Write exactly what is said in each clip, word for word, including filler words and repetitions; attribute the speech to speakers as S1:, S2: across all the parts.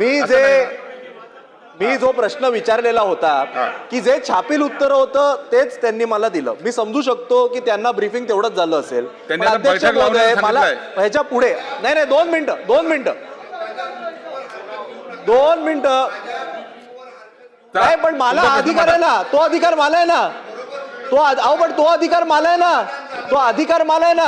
S1: मी जे मी जो प्रश्न विचारलेला होता की जे छापील उत्तर होतं तेच त्यांनी मला दिलं. मी समजू शकतो की त्यांना ब्रीफिंग तेवढंच झालं असेल. पण अध्यक्ष महोदय मला ह्याच्या पुढे नाही नाही दोन मिनिटं दोन मिनिटं दोन मिनिटं नाही पण मला अधिकार आहे ना, तो अधिकार मला आहे ना, तो अहो पण तो अधिकार मला आहे ना, तो अधिकार मला आहे ना.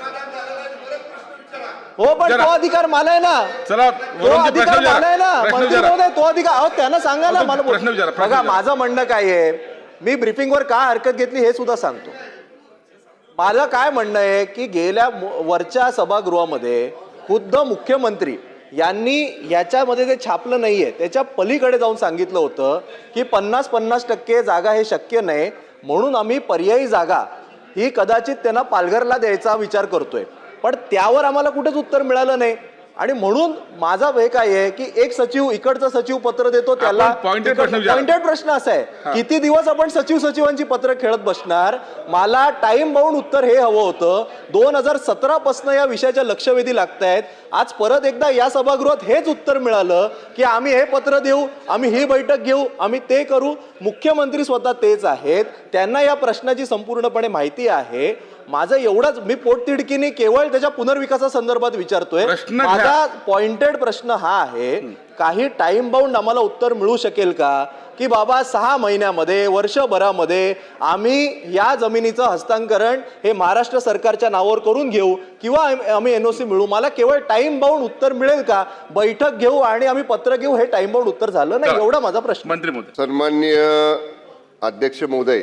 S1: हो पण तो अधिकार मला आहे ना,
S2: चला
S1: तो अधिकार मला आहे ना मंत्री महोदय, तो अधिकार अहो त्यांना सांगा ना मला. बघा माझं म्हणणं काय आहे, मी ब्रीफिंगवर का हरकत घेतली हे सुद्धा सांगतो. माझं काय म्हणणं आहे की गेल्या वरच्या सभागृहामध्ये खुद्द मुख्यमंत्री यांनी याच्यामध्ये जे छापलं नाहीये त्याच्या पलीकडे जाऊन सांगितलं होतं की पन्नास पन्नास टक्के जागा हे शक्य नाही, म्हणून आम्ही पर्यायी जागा ही कदाचित त्यांना पालघरला द्यायचा विचार करतोय. पण त्यावर आम्हाला कुठेच उत्तर मिळालं नाही. आणि म्हणून माझा हे काय आहे की एक सचिव इकडचा सचिव पत्र देतो त्याला पॉइंटेड प्रश्न असा आहे किती दिवस आपण सचिव सचिवांची पत्र खेळत बसणार. मला टाइम बाउंड उत्तर हे हवं होतं. दोन हजार सतरा पासून या विषयाच्या लक्षवेधी लागतायत. आज परत एकदा या सभागृहात हेच उत्तर मिळालं की आम्ही हे पत्र देऊ, आम्ही ही बैठक घेऊ, आम्ही ते करू. मुख्यमंत्री स्वतः तेच आहेत, त्यांना या प्रश्नाची संपूर्णपणे माहिती आहे. माझं एवढंच मी पोटतिडकीने केवळ त्याच्या पुनर्विकासासंदर्भात विचारतोय. माझा पॉइंटेड प्रश्न हा आहे, काही टाइम बाउंड आम्हाला उत्तर मिळू शकेल का की बाबा सहा महिन्यामध्ये वर्षभरामध्ये आम्ही या जमिनीचं हस्तांतरण हे महाराष्ट्र सरकारच्या नावावर करून घेऊ किंवा आम्ही एनओसी मिळू. मला केवळ टाइम बाउंड उत्तर मिळेल का, बैठक घेऊ आणि आम्ही पत्र घेऊ, हे टाइम बाउंड उत्तर झालं नाही, एवढा माझा प्रश्न.
S2: मंत्री महोदय.
S3: सन्माननीय अध्यक्ष महोदय,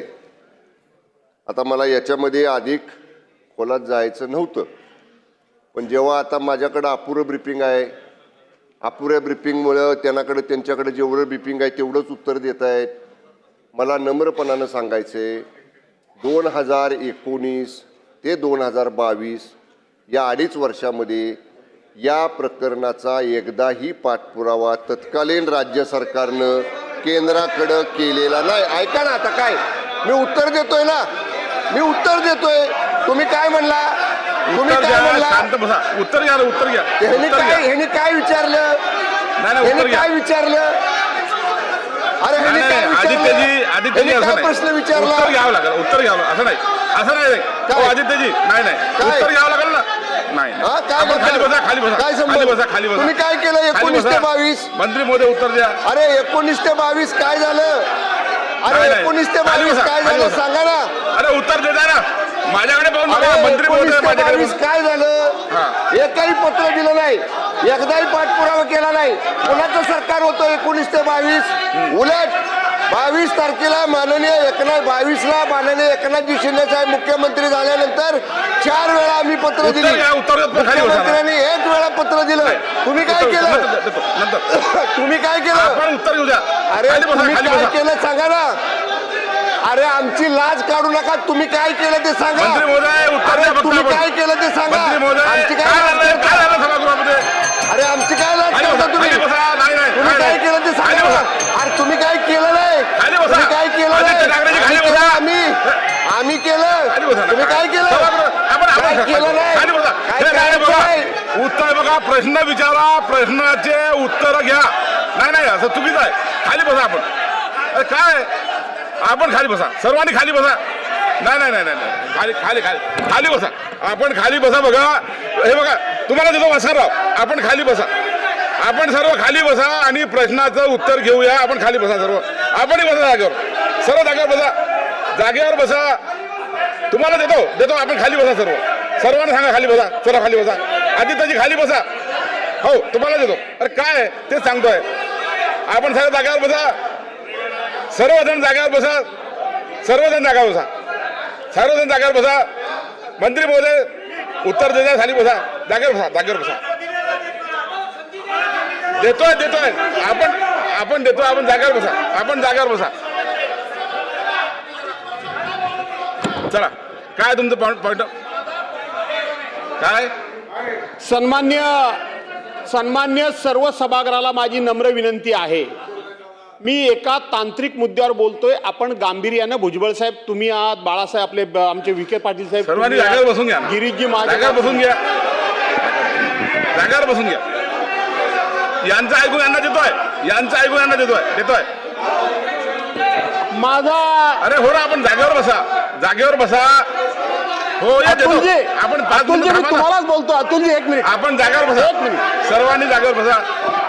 S3: आता मला याच्यामध्ये अधिक खोलात जायचं नव्हतं, पण जेव्हा आता माझ्याकडं अपुरं ब्रीफिंग आहे, अपुऱ्या ब्रीफिंगमुळं त्यांच्याकडे त्यांच्याकडे जेवढं ब्रीफिंग आहे तेवढंच उत्तर देत आहेत. मला नम्रपणानं सांगायचे, दोन हजार एकोणीस ते दोन हजार बावीस या अडीच वर्षामध्ये या प्रकरणाचा एकदाही पाठपुरावा तत्कालीन राज्य सरकारनं केंद्राकडं केलेला नाही. ऐका ना, आता काय मी उत्तर देतोय ना, मी उत्तर देतोय. तुम्ही काय म्हणला, तुम्ही काय म्हणला,
S2: उत्तर घ्या उत्तर घ्या.
S3: ह्यांनी काय ह्यांनी काय विचारलं, ह्यांनी काय विचारलं, अरे ह्यांनी काय
S2: आदित्यजी आदित्यजी
S3: काय प्रश्न विचारला,
S2: उत्तर घ्यावं लागेल, उत्तर घ्यावं. असं नाही असं नाही आदित्यजी, नाही नाही उत्तर घ्यावं लागेल ना. नाही खाली बसा, खाली बसा,
S3: काय
S2: खाली बसा, खाली बसा.
S3: तुम्ही काय केलं एकोणीस ते बावीस?
S2: मंत्री महोदय उत्तर द्या.
S3: अरे एकोणीस ते बावीस काय झालं, अरे एकोणीस ते बावीस काय झालं सांगा ना.
S2: अरे उत्तर देता ना, माझ्याकडे पाहून
S3: मंत्री महोदय बावीस काय झालं, एकही पत्र दिलं नाही, एकदाही पाठपुरावा केला नाही. कोणाचं सरकार होतं एकोणीस ते बावीस? उलट बावीस तारखेला माननीय एकनाथ बावीसला माननीय एकनाथजी शिंदे साहेब मुख्यमंत्री झाल्यानंतर चार वेळा आम्ही पत्र दिली, मुख्यमंत्र्यांनी एक वेळा पत्र दिलं. तुम्ही काय केलं, तुम्ही काय केलं,
S2: उत्तर घेऊ द्या.
S3: अरे तुम्ही काय केलं सांगा ना. अरे आमची लाज काढू नका, तुम्ही काय केलं ते सांगा. तुम्ही काय केलं ते सांगा. आमची काय अरे आमची काय लाज करता तुम्ही, तुम्ही काय केलं ते सांगा. अरे तुम्ही काय केलं नाही, तुम्ही काय केलं नाही, आम्ही आम्ही केलं, तुम्ही काय केलं, काय केलं नाही.
S2: उत्तर बघा, प्रश्न विचारा, प्रश्नाचे उत्तर घ्या. नाही नाही असं चुकीचं आहे. खाली बसा आपण. अरे काय आपण खाली बसा, सर्वांनी खाली बसा. नाही नाही नाही नाही खाली खाली खाली खाली बसा, आपण खाली बसा. बघा हे बघा, तुम्हाला देतो वासरराव, आपण खाली बसा, आपण सर्व खाली बसा आणि प्रश्नाचं उत्तर घेऊया. आपण खाली बसा सर्व, आपणही बसा जागेवर, सर्व जागेवर बसा, जागेवर बसा. तुम्हाला देतो देतो आपण खाली बसा सर्व, सर्वांना सांगा खाली बसा, चला खाली बसा. आदित्यजी खाली बसा, हो तुम्हाला देतो. अरे काय ते सांगतोय, आपण सर्व जागेवर बसा, सर्वजण जागेवर बसा, सर्वजण जागेवर बसा, सर्वजण जागेवर बसा. मंत्री महोदय उत्तर देता, खाली बसा, जागेवर बसा, जागेवर बसा. देतोय देतोय आपण आपण देतोय, आपण जागेवर बसा, आपण जागेवर बसा. चला काय तुमचं पॉइंट पॉइंट काय.
S4: सन्मान्य सन्मान्य सर्व सभागृहाला माझी नम्र विनंती आहे. मी एका तांत्रिक मुद्द्यावर बोलतोय, आपण गांभीर्यानं, भुजबळ साहेब तुम्ही आहात, बाळासाहेब आपले आमचे विखे पाटील साहेब,
S2: सर्वांनी जागेवर बसून घ्या,
S4: गिरीशजी माझ्या
S2: जागेवर बसून घ्या, जागेवर बसून घ्या. यांचं ऐकून यांना देतोय यांचं ऐकून यांना देतोय देतोय
S4: माझा
S2: अरे हो ना, आपण जागेवर बसा जागेवर बसा. हो या देतो.
S4: अतुलजी
S2: आपण पाच
S4: अतुलजी
S2: मिनिटं
S4: मी
S2: थांबा ना.
S4: तुम्हालाच बोलतो. अतुलजी एक मिनिट
S2: आपण जागेवर बसा
S4: एक मिनिट.
S2: सर्वांनी जागेवर बसा.